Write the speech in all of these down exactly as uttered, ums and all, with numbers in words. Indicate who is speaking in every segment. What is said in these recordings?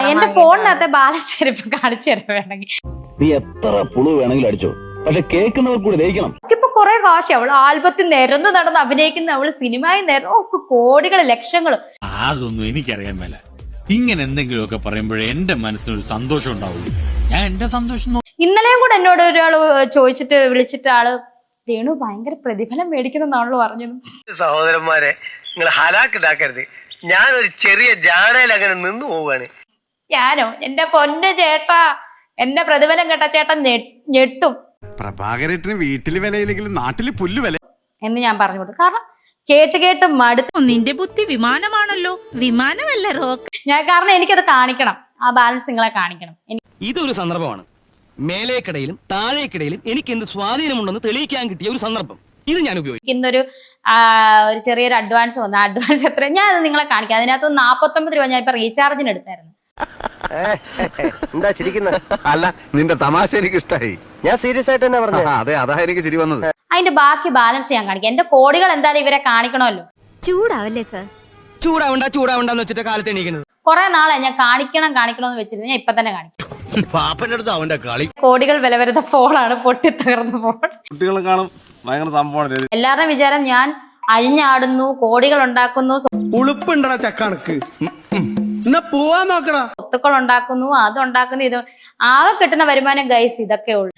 Speaker 1: എന്റെ ഫോണിനകത്തെ ബാലൻസ് ഇപ്പൊ കാണിച്ചു തരാൻ വേണമെങ്കിൽ
Speaker 2: നീ എത്ര പുളു വേണമെങ്കിലും അടിച്ചോ, പക്ഷെ കേൾക്കുന്നവർ കൂടി ദഹിക്കണം.
Speaker 1: ഇപ്പൊ കുറെ കാശ് അവള് ആൽബത്തിൽ നിരന്ന് നടന്ന് അഭിനയിക്കുന്ന അവള് സിനിമയിൽ നിരന്ന് ഒക്കെ കോടികള് ലക്ഷങ്ങള്.
Speaker 3: അതൊന്നും എനിക്കറിയാൻ മേല. ഇങ്ങനെ എന്തെങ്കിലുമൊക്കെ പറയുമ്പോഴേ എന്റെ മനസ്സിനൊരു സന്തോഷം ഉണ്ടാവുള്ളൂ. ഞാൻ എന്റെ സന്തോഷം.
Speaker 1: ഇന്നലെയും കൂടെ എന്നോട് ഒരാള് ചോദിച്ചിട്ട് വിളിച്ചിട്ട് ആള് രേണു ഭയങ്കര പ്രതിഫലം മേടിക്കുന്നാണല്ലോ പറഞ്ഞത്.
Speaker 4: സഹോദരന്മാരെ, നിങ്ങൾ ഹലാക്കിതാക്കരുത്. ഞാനൊരു ചെറിയ ജാടയിൽ അങ്ങനെ നിന്നു പോവാണ്.
Speaker 1: ഞാനോ എന്റെ പൊന്ന് ചേട്ടാ, എന്റെ പ്രതിഫലം കേട്ട ചേട്ടൻ ഞെട്ടും.
Speaker 5: പ്രഭാകരേട്ടന് വീട്ടില് വിലയില്ലെങ്കിലും നാട്ടില് പുല്ല് വില
Speaker 1: എന്ന് ഞാൻ പറഞ്ഞു കൊടുത്തു. കാരണം കേട്ട് കേട്ട് മടുത്തു.
Speaker 6: നിന്റെ ബുദ്ധി വിമാനമാണല്ലോ, വിമാനമല്ല റോക്ക്.
Speaker 1: ഞാൻ കാരണം എനിക്കത് കാണിക്കണം, ആ ബാലൻസ് നിങ്ങളെ കാണിക്കണം.
Speaker 7: ഇതൊരു സന്ദർഭമാണ്. മേലേക്കിടയിലും താഴേക്കിടയിലും എനിക്ക് എന്ത് സ്വാധീനമുണ്ടെന്ന് തെളിയിക്കാൻ കിട്ടിയ ഒരു സന്ദർഭം. ഇത് ഞാൻ ഉപയോഗിക്കും.
Speaker 1: ഇന്നൊരു ഒരു ചെറിയൊരു അഡ്വാൻസ് വന്നു. അഡ്വാൻസ് എത്ര ഞാൻ അത് നിങ്ങളെ കാണിക്കാം. അതിനകത്ത് നാപ്പത്തൊമ്പത് രൂപ ഞാൻ ഇപ്പൊ റീചാർജിന് എടുത്തായിരുന്നു.
Speaker 4: എന്താ ചിരിക്കുന്നത്?
Speaker 5: അല്ല, നിന്റെ തമാശ എനിക്ക് ഇഷ്ടായി.
Speaker 4: ഞാൻ സീരിയസ് ആയിട്ട് തന്നെ പറഞ്ഞു.
Speaker 5: അതെ, അതാ എനിക്ക് ചിരി വന്നത്.
Speaker 1: അതിന്റെ ബാക്കി ബാലൻസ് ഞാൻ കാണിക്കാം. എന്റെ കോടികൾ എന്തായാലും ഇവരെ കാണിക്കണമല്ലോ.
Speaker 6: ചൂടാവല്ലേ സാർ?
Speaker 7: ചൂടാവണ്ട ചൂടാവണ്ടെന്ന് വെച്ചിട്ട് കാലത്ത് എണീക്കുന്നത്.
Speaker 1: കുറെ നാളെ ഞാൻ കാണിക്കണം കാണിക്കണം എന്ന് വെച്ചിരുന്നു. ഞാൻ ഇപ്പൊ തന്നെ കാണിക്കും.
Speaker 3: പാപ്പന്റെ അടുത്ത് അവന്റെ കളി.
Speaker 1: കോടികൾ വില വരുന്ന ഫോണാണ്, പൊട്ടി തകർന്ന ഫോൺ.
Speaker 5: കുട്ടികളും കാണും, ഭയങ്കര സംഭവമാണ്.
Speaker 1: എല്ലാവരുടെയും വിചാരം ഞാൻ അഴിഞ്ഞാടുന്നു, കോടികൾ ഉണ്ടാക്കുന്നു,
Speaker 8: ഉളുപ്പുണ്ടടാ ചക്കണക്ക്. എന്നാ പോവാൻ നോക്കടാ.
Speaker 1: സ്വത്തുക്കൾ ഉണ്ടാക്കുന്നു, അതുണ്ടാക്കുന്നു, ഇത് ആകെ കിട്ടുന്ന വരുമാനം ഗൈസ് ഇതൊക്കെ ഉള്ളു.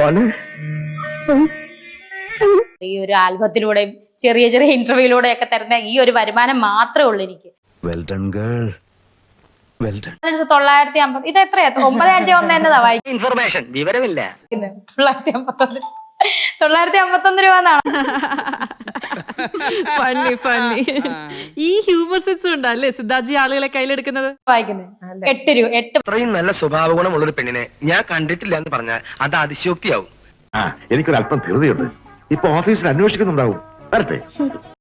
Speaker 1: ഈ ഒരു ആൽബത്തിലൂടെയും ചെറിയ ചെറിയ ഇന്റർവ്യൂയിലൂടെ ഒക്കെ തരുന്ന ഈ ഒരു വരുമാനം മാത്രമേ ഉള്ളൂ എനിക്ക്. തൊള്ളായിരത്തി അമ്പത് ഇത് എത്രയാ? ഒമ്പത് അഞ്ച് ഒന്ന് എന്നതാ വായിക്കുന്നത്.
Speaker 4: ഇൻഫർമേഷൻ വിവരമില്ല.
Speaker 1: തൊള്ളായിരത്തി അമ്പത്തൊന്ന് തൊള്ളായിരത്തി അമ്പത്തൊന്ന് രൂപ എന്നാണ്
Speaker 9: ഫണ്ണി ഫണ്ണി. ഈ ഹ്യൂമർ സെൻസ് ഉണ്ടല്ലേ സിദ്ധാജി ആളുകളെ കയ്യിലെടുക്കുന്നത്?
Speaker 1: വായിക്കുന്നത് എട്ട് രൂപ എട്ട്.
Speaker 4: അത്രയും നല്ല സ്വഭാവ ഗുണമുള്ള ഒരു പെണ്ണിനെ ഞാൻ കണ്ടിട്ടില്ല എന്ന് പറഞ്ഞാൽ അത് അതിശയോക്തിയാവും.
Speaker 2: എനിക്കൊരു അല്പം ധൃതിയുണ്ട്. ഇപ്പൊ ഓഫീസിൽ അന്വേഷിക്കുന്നുണ്ടാവും. വരട്ടെ.